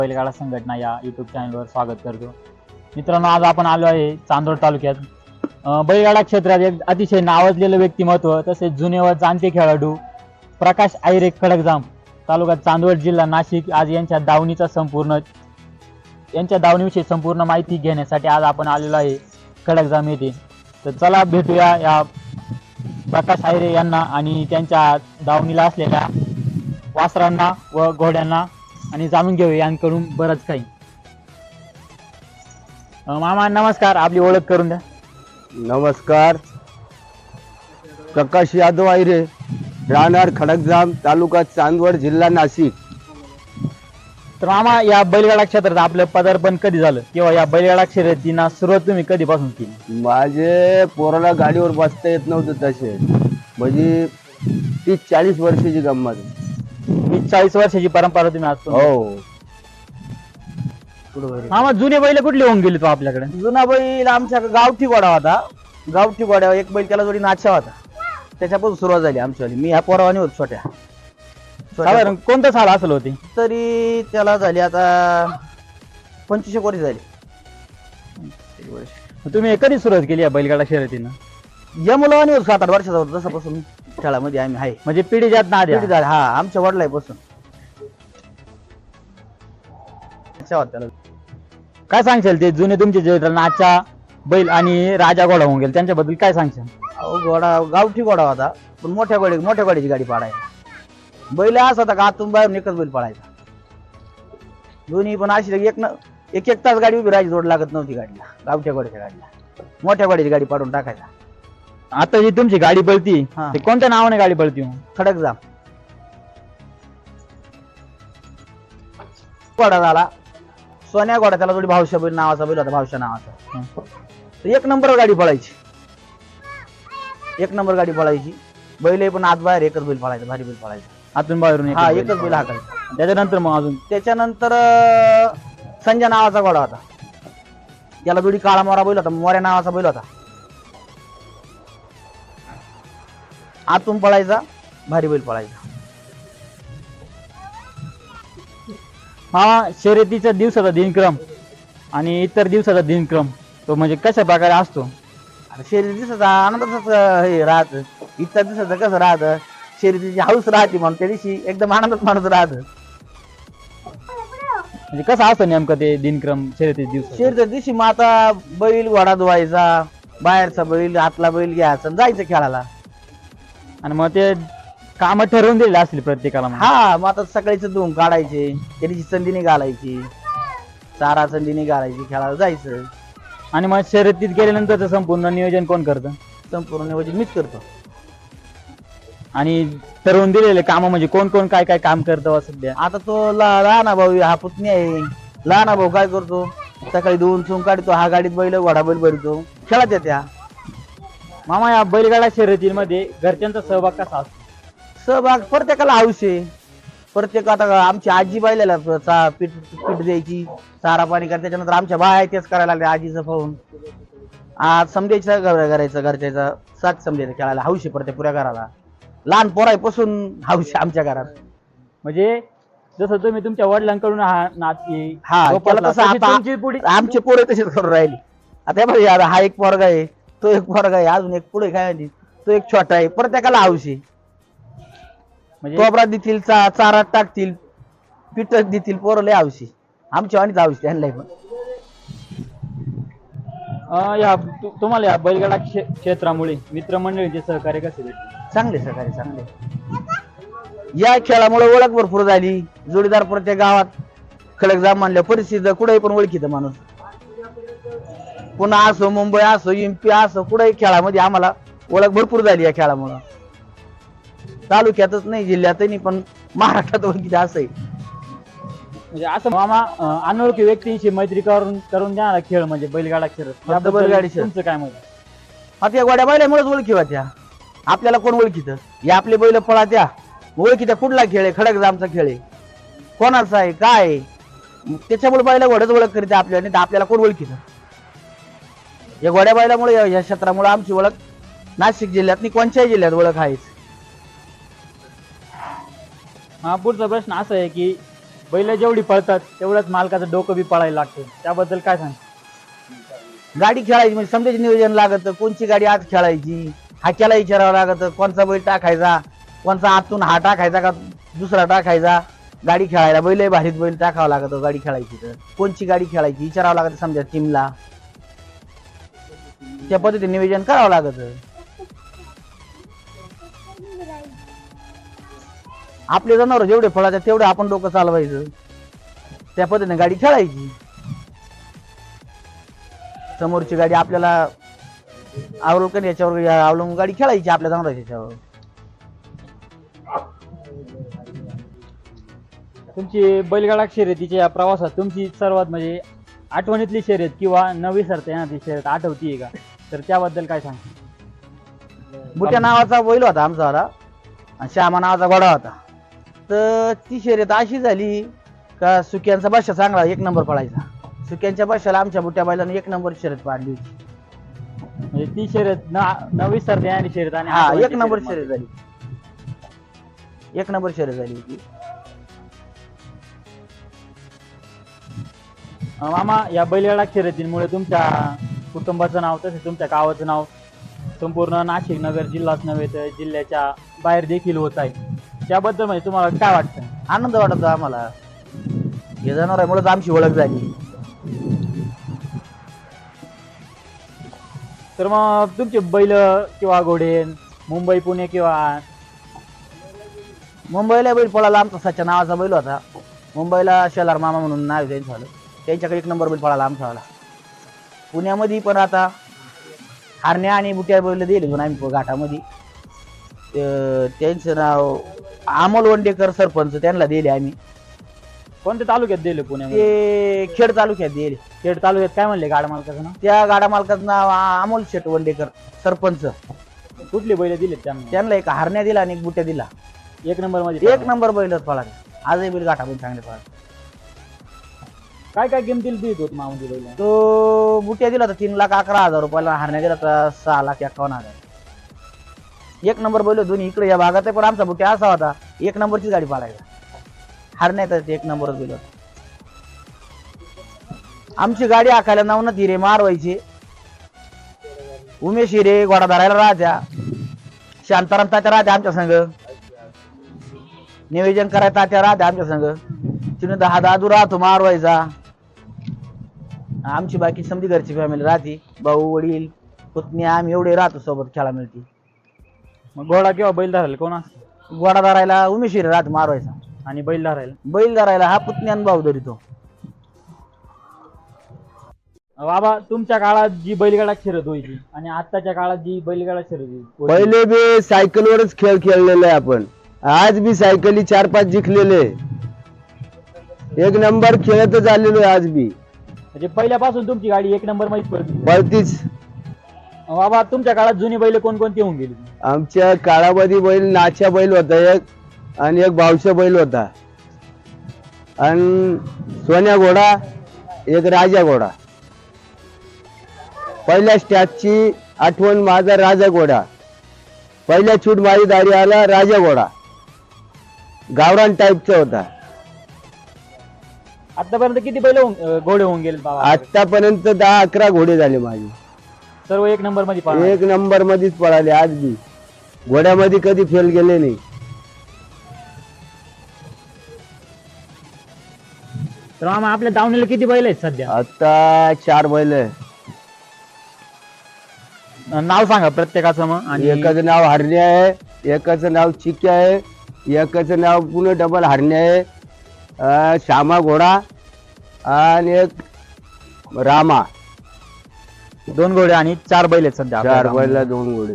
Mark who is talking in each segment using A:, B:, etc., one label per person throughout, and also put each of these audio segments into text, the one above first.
A: बैलगाडा संघटना या युट्यूब चॅनलवर स्वागत करतो. मित्रांनो, आज आपण आलो आहे चांदोड तालुक्यात. बैलगाडा क्षेत्रात एक अतिशय नावाजलेलं व्यक्तिमत्व तसेच जुने व जाणते खेळाडू प्रकाश आयरे खडकजाम, तालुका चांदोड, जिल्हा नाशिक. आज यांच्या दावणीविषयी संपूर्ण माहिती घेण्यासाठी आज आपण आलेलो आहे खडकजाम येथे. तर चला भेटूया या प्रकाश आयरे यांना आणि त्यांच्या दावणीला असलेल्या वासरांना व घोड्यांना आणि जाणून घेऊया यांकडून बरंच काही. मामा नमस्कार, आपली ओळख करून द्या.
B: नमस्कार. प्रकाश यादव आयरे, राहणार खडकजाम, तालुका चांदवड, जिल्हा नाशिक.
A: तर मामा, या बैलगाडा क्षेत्रात आपलं पदार्पण कधी झालं किंवा या बैलगाडा शर्यतींना सुरुवात तुम्ही कधीपासून केली?
B: माझे पोराला गाडीवर बसता येत नव्हतं तसे, म्हणजे 30-40 वर्षाची गंमत.
A: 40 वर्षाची परंपरा तुम्ही असतो.
B: हो.
A: मामा, जुने बैल कुठले होऊन गेले तो आपल्याकडे?
C: जुना बैल आमच्या गावठी घोडा होता. गावठी घोड्यावर एक बैल त्याला जोडी नाचा होता, त्याच्यापासून सुरुवात झाली आमच्यावाली. मी ह्या पोरावानी होत छोट्या.
A: साधारण कोणतं साल असेल होती?
C: तरी त्याला झाली आता 25 वर्ष झाली.
A: तुम्ही कधी सुरुवात केली या बैलगाडा शर्यतीनं?
C: या मुलावानी होत 7-8 वर्षाचा होता तसापासून खेळामध्ये आम्ही आहे.
A: म्हणजे पिढी जात ना आधी?
C: पिढी झाली, हा, आमच्या वडिलांपासून. त्याला
A: काय सांगशाल ते जुने तुमचे जे नाचा बैल आणि राजा घोडा होऊन गेले त्यांच्याबद्दल काय सांगशाल?
C: घोडा गावठी घोडा होता, पण मोठ्या गाडीची गाडी पाडायची. बैल असा होता का आतून बाहेरून एकच बैल पाडायचा. दोन्ही पण अशी एक तास गाडी उभी राहायची, जोड लागत नव्हती गाडीला. गावठ्या घोड्याच्या गाडीला मोठ्या गाडीची गाडी पाडून टाकायचा.
A: आता जी तुमची गाडी पळती
C: हा.
A: ते कोणत्या नावाने गाडी पळती?
C: खडकजाम घोडा झाला. सोन्या घोडा त्याला थोडी भावशा बैल नावाचा बैल होता, भावशा नावाचा. तर एक नंबर गाडी पळायची, एक नंबर गाडी पळायची. बैल पण आत बाहेर एकच बैल पळायचा, भारी बैल पळायचा.
A: आतून बाहेरून
C: हा, एकच बैल हाकायचा.
A: त्याच्यानंतर मग अजून
C: त्याच्यानंतर संजय नावाचा घोडा होता, त्याला थोडी काळा मोरा बैल होता, मोऱ्या नावाचा बैल होता. आतून पळायचा, भारी बैल पळायचा.
A: हा, शर्यतीचा दिवसाचा दिनक्रम आणि इतर दिवसाचा दिनक्रम तो म्हणजे कशा प्रकारे असतो?
C: शर्यती दिवसाचा आनंदाच हे राहत. इतर दिवसाचं कसं राहतं, शर्यतीची हाऊस राहते म्हणून त्या दिवशी एकदम आनंदात माणूस राहत.
A: म्हणजे कसं असतं नेमकं ते दिनक्रम शर्यती दिवस?
C: शर्यती दिवशी मग आता बैल घोडा धुवायचा, बाहेरचा बैल आतला बैल घ्यायचा, जायचं खेळायला.
A: आणि मग ते काम ठरवून दिलेले असतील प्रत्येकाला?
C: हा, मग आता सकाळीच धुवून काढायचे, त्या दिवशी संधीने घालायची, चारा संधीने घालायची, खेळायला जायचं.
A: आणि मग शर्यतीत गेल्यानंतर संपूर्ण नियोजन कोण करतं?
C: संपूर्ण नियोजन मीच करतो.
A: आणि ठरवून दिलेले काम म्हणजे कोण कोण काय काय काम करतं सध्या?
C: आता तो लहाना भाऊ, हा पुतणी आहे. लहाना भाऊ काय करतो, सकाळी धुवून चुन काढतो, हा गाडीत बैल घोडा बैल भरतो, खेळत येत्या.
A: मामा, या बैलगाडा शर्यतीमध्ये घरच्यांचा सहभाग कसा असतो?
C: सहभाग प्रत्येकाला हौस आहे. प्रत्येक आता आमची आजी बैलाला पीठ द्यायची, चारा पाणी करायचं. त्याच्यानंतर आमच्या बाया तेच करायला लागल्या आजीचं पाहून. आज समजायचं करायचं, घरच्याचा साथ समजायचं, खेळायला हौस आहे प्रत्येक पुऱ्या घराला. लहान पोरापासून हौस आहे आमच्या घरात.
A: म्हणजे जसं तुम्ही तुमच्या वडिलांकडून हा नाती
C: आमचे पोरं तसेच करून राहिली. आता बघा, हा एक पोरगा आहे, तो एक पोरगा आहे, अजून एक पुढे काय माहिती, तो एक छोटा आहे. प्रत्येकाला हौस आहे.
A: म्हणजे
C: कोबरा देतील, चारा टाकतील, पिठक देतील, पोरं लय हौशी. आमच्या वाणीच हौशी त्यांना पण.
A: तुम्हाला या बैलगाडा क्षेत्रामुळे मित्रमंडळींचे सहकार्य कसे भेटले?
C: चांगले सहकार्य, चांगले. या खेळामुळे ओळख भरपूर झाली. जोडीदार प्रत्येक गावात खडकजाम म्हणल्या परिस्थिती कुठेही पण ओळखीत माणूस. पुन्हा असो, मुंबई असो, एमपी असो, कुठेही खेळामध्ये आम्हाला ओळख भरपूर झाली या खेळामुळे. तालुक्यातच नाही, जिल्ह्यातही पण महाराष्ट्रात ओळखीत असं आहे.
A: म्हणजे असं मामा, अनोळखी व्यक्तींशी मैत्री करून देणारा खेळ म्हणजे बैलगाडा शर्यत.
C: बैलगाडी शर्यत.
A: तुमचं काय मत?
C: आता या गोड्या बैलामुळेच ओळखी होत्या. आपल्याला कोण ओळखीत? या आपले बैल पळा त्या ओळखीत्या. कुठला खेळ आहे? खडकजामचा खेळ आहे, कोणाचा आहे, काय आहे, त्याच्यामुळे बैला घोड्याच ओळख करीत आपल्याला. नाही तर आपल्याला कोण ओळखीत? या गोड्या बैलामुळे, या क्षेत्रामुळे आमची ओळख नाशिक जिल्ह्यात नाही, कोणत्याही जिल्ह्यात ओळख आहेच.
A: हा, पुढचा प्रश्न असा आहे की बैल जेवढी पळतात तेवढंच मालकाचं डोकं बी पळायला लागतं, त्याबद्दल काय सांग?
C: गाडी खेळायची म्हणजे समजायचे नियोजन लागत, कोणची गाडी आज खेळायची हाक्याला विचारावं लागत, कोणचा बैल टाकायचा, कोणचा आतून हा टाकायचा का दुसरा टाकायचा. गाडी खेळायला बैल भारीत बैल टाकावं लागत गाडी खेळायची तर कोणची गाडी खेळायची विचारावं लागत समजा टीमला, त्या पद्धतीने नियोजन करावं लागत. आपले जनावर जेवढे फळाचे तेवढे आपण डोकं चालवायचं, त्या पद्धतीने गाडी खेळायची. समोरची गाडी आपल्याला अवलंबून याच्यावर अवलंबून गाडी खेळायची आपल्या जनावरांच्या याच्यावर.
A: तुमची बैलगाडा शर्यतीच्या या प्रवासात तुमची सर्वात म्हणजे आठवणीतली शर्यत किंवा न विसरता येणारी शर्यत आठवतीये का? तर त्याबद्दल काय सांग?
C: बुट्या नावाचा बैल होता आमचा वाला आणि श्यामा नावाचा घोडा होता. तर ती शर्यत अशी झाली का सुक्यांचा बादशा चांगला 1 नंबर पळायचा. सुक्यांच्या बादशाला आमच्या बुट्या बैलाने 1 नंबर शर्यत पाडली होती.
A: म्हणजे ती शर्यत न विसरता येणारी शर्यत आणि
C: हा
A: आठवणीतली
C: 1 नंबर
A: शर्यत
C: शर्यत झाली, 1 नंबर शर्यत झाली होती.
A: मामा, या बैलगाडा शर्यतीमुळे तुमच्या कुटुंबाचं नाव तसेच तुमच्या गावाचं नाव संपूर्ण नाशिक नगर जिल्हाच नव्हे तर जिल्ह्याच्या बाहेर देखील होत आहे. त्याबद्दल म्हणजे तुम्हाला काय वाटतं?
C: आनंद वाटतो आम्हाला, हे जनावरांमुळेच आमची ओळख झाली.
A: तर मग तुमचे बैल किंवा घोडे मुंबई पुणे किंवा
C: मुंबईला बैल पळाला आमचा सच्चा नावाचा बैल होता. मुंबईला शेलार मामा म्हणून नाव त्यांचं झालं, त्यांच्याकडे 1 नंबर बैल पळाला आमचा वाला. पुण्यामध्ये पण आता हारण्या आणि बुट्या बैल दिले दोन आम्ही घाटामध्ये. त्यांचं नाव अमोल वंडेकर सरपंच, त्यांना दिले आम्ही.
A: कोणत्या तालुक्यात दिले? पुण्यामध्ये?
C: ते खेड तालुक्यात दिले.
A: खेड तालुक्यात काय म्हणले गाडा मालकाचं नाव?
C: त्या गाडा मालकाचं नाव अमोल शेट वंडेकर सरपंच.
A: कुठले बैल दिले त्यांना?
C: त्यांना एक हारण्या दिला आणि एक बुट्या दिला.
A: 1 नंबर मध्ये
C: 1 नंबर बैलच पळाले. आजही बैल घाटामध्ये चांगले पळाले.
A: काय काय किमतीला देत होत मामुली बैल?
C: तो बुट्या दिला तर 3,11,000 रुपयाला, हारण्या दिला तर 6,51,000. 1 नंबर बैल दोन्ही इकडे या भागात आहे. पण आमचा बुट्या असा होता 1 नंबरची गाडी पाडायला, हारण्या तर 1 नंबरच गेलो. आमची गाडी आखायला नवनाथ हिरे मारवायचे, उमेश हिरे घोडा धरायला राहत्या, शांताराम तात्या राहत्या आमच्या संघ, नियोजन करायला तात्या राहत्या आमच्या संघ, तिने दादू राहतो मारवायचा. आमची बाकी समधी घरची फॅमिली राहते, भाऊ वडील पुतणी आम्ही एवढे राहतो सोबत, खेळा मिळते.
A: मग घोडा किंवा बैल धरायला कोण असतं?
C: घोडा धरायला उमेश हिरे राहतो मारवायचा,
A: आणि बैल धरायला?
C: बैल धरायला हा पुतणी आणि भाऊ धरितो.
A: बाबा, तुमच्या काळात जी बैलगाडा शर्यत व्हायची आणि आताच्या काळात जी बैलगाडा शर्यत होती,
B: पहिले बी सायकलवरच खेळ खेळलेले आपण, आज बी सायकली 4-5 जिंकलेले, 1 नंबर खेळतच आलेलो आज बी.
A: म्हणजे पहिल्यापासून तुमची गाडी 1 नंबर मध्ये पळती?
B: पळतीच.
A: बाबा, तुमच्या काळात जुनी बैल कोणकोणती होऊन गेली?
B: आमच्या काळामध्ये बैल नाच्या बैल होता एक, आणि एक भावशा बैल होता, आणि सोन्या घोडा, एक राजा घोडा. पहिल्या स्टॅचची आठवण माझा राजा घोडा, पहिल्या छूट माझी दारी आला राजा घोडा, गावरान टाईपचा होता.
A: आतापर्यंत किती बैल घोडे होऊन गेले बाबा?
B: आतापर्यंत 10-11 घोडे झाले माझे,
A: सर्व 1 नंबर मध्ये पळाले?
B: 1 नंबर मध्येच पळाले. आज बी घोड्यामध्ये कधी फेल गेले नाही.
A: तर मामा, आपल्या दावणीला किती बैल आहेत सध्या?
B: आता 4 बैल आहे.
A: नाव सांगा प्रत्येकाचं मग. आणि
B: एकाचं नाव हरण्या आहे, एकाचं नाव चिक्या आहे, एकाचं नाव पुन्हा डबल हरण्या आहे, श्यामा घोडा, आणि एक रामा.
A: 2 घोडे आणि 4 बैल आहेत सध्या आपल्या
B: 4
A: दावणीला.
B: बैला 2 घोडे.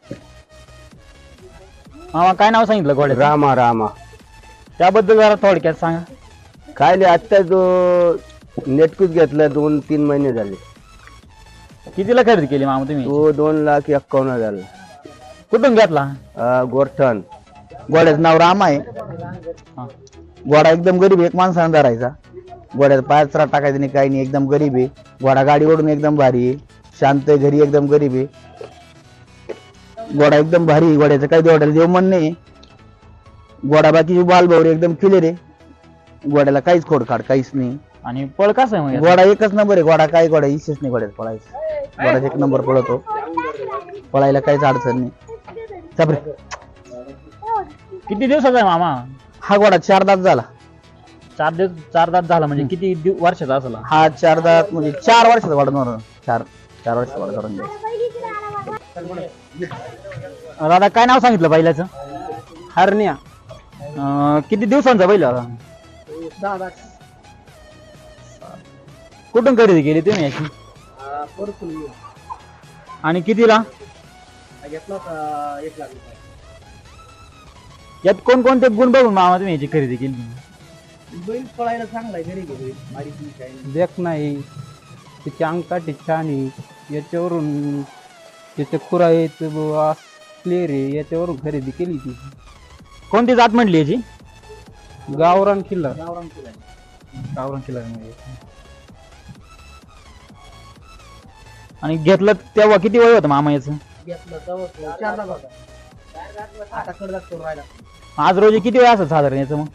A: मामा, काय नाव सांगितलं घोड्याचं?
B: रामा. रामा
A: त्याबद्दल जरा थोडक्यात सांगा.
B: काय नाही, आत्ता तो नेटकूच घेतला, 2-3 महिने झाले.
A: कितीला खरेदी केली मामा तुम्ही?
B: तो 2,51,000 झाला.
A: कुठून घेतला?
B: गोरठण.
C: घोड्याचं नाव राम आहे.
A: हा.
C: घोडा एकदम गरीब, एक माणसाने धरायचा. घोड्यात पायचरा टाकायचं नाही, काही नाही, एकदम गरीब आहे. घोडा गाडीवरून एकदम भारी आहे, शांत आहे, घरी एकदम गरीब आहे. घोडा एकदम भारी आहे. घोड्याचं काही घोड्याला देव मन नाही. घोडा बाकीची बालभौरी एकदम क्लिअर आहे. गोड्याला काहीच खोडखाड काहीच नाही.
A: आणि पळ कसं आहे मग याचं?
C: गोडा एकच नंबर आहे. गोडा काय गोडा इशेच नाही गोड्यात पळायचं. गोडा एक नंबर पळतो. पळायला काहीच अडचण नाही. चापरे.
A: किती दिवसाचा आहे मामा?
C: हा गोडा 4 दात झाला.
A: 4 दात झाला म्हणजे किती वर्षाचा असेल हा?
C: हा 4 दात म्हणजे 4 वर्षाचा गोडा नव्हता. 4 वर्षाचा गोडा करून द्यायचा.
A: दादा काय नाव सांगितलं बैलाचं?
C: हरण्या.
A: किती दिवसांचा बैल होता? कुठून खरेदी केली तुम्ही याची? आणि कितीला? यात कोणकोणते गुण बघून मामा तुम्ही याची खरेदी केली?
C: बैल पळायला चांगला आहे. घरी गेलो
D: देख नाही त्याची अंगकाठी छान आहे. याच्यावरून त्याचे खुरा आहेत क्लिअर आहे. याच्यावरून खरेदी केली ती.
A: कोणती जात म्हटली याची?
D: गावरान किल्ला.
A: गावरान किल्ला म्हणजे. आणि घेतलं तेव्हा किती वय होतं मामा याचं? आज रोजी किती वय असं साधारण याचं मग?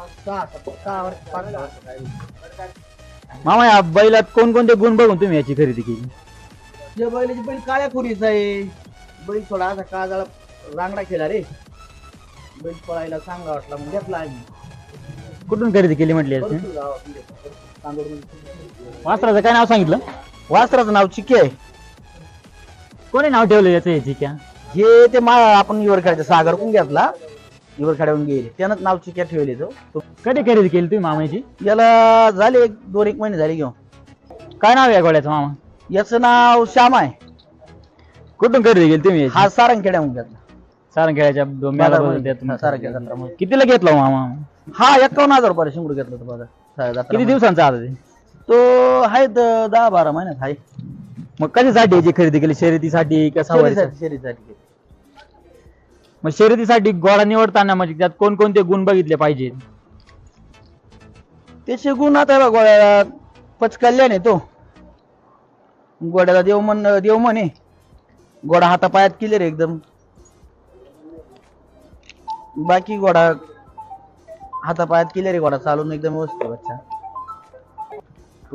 A: मामा या बैलात कोणकोणते गुण बघून तुम्ही याची खरेदी केली?
C: बैलाची बैल काळ्या खुरीचा आहे. बैल थोडा असा काळा रांगडा केला रे. बैल पळायला चांगला वाटला म्हणजे घेतला आम्ही.
A: कुठून खरेदी केली म्हटली याची? वासराचं काय नाव सांगितलं?
C: वासराचं नाव चिके आहे.
A: कोणी नाव ठेवलं याचं याची क्या?
C: हे ते आपण इवरखेड्याचा सागर कोण घेतला. इवरखेड्याहून गेले त्यानंच नाव चिक्या ठेवले. तो
A: कधी खरेदी केली तुम्ही मामा याची?
C: याला झाले 2-1 महिने झाले घेऊन.
A: काय नाव आहे या घोड्याचं मामा?
C: याचं नाव श्याम आहे.
A: कुठून खरेदी केली तुम्ही याची?
C: हा सारंगखेड्याहून घेतला.
A: सारंगखेड्याच्या
C: सारंगखेड्यात.
A: कितीला घेतला मामा?
C: हा 51,000 रुपये शिंगडू घेतला होता बघा.
A: किती दिवसांचा आता ते?
C: तो आहे 10-12 महिन्यात आहे.
A: मग कशासाठी याची खरेदी केली? शर्यतीसाठी का सवारीसाठी?
C: शरीरासाठी.
A: मग शर्यतीसाठी घोडा निवडताना म्हणजे त्यात कोणकोणते गुण बघितले पाहिजेत?
C: त्याचे गुण आता बघा गोड्याला पचकल्याने तो. गोड्याला देव म्हणे. गोडा हातापायात क्लिअर एकदम. बाकी गोडा हातापायात क्लिअर आहे. गोडा चालून एकदम व्यवस्थित बच्चा.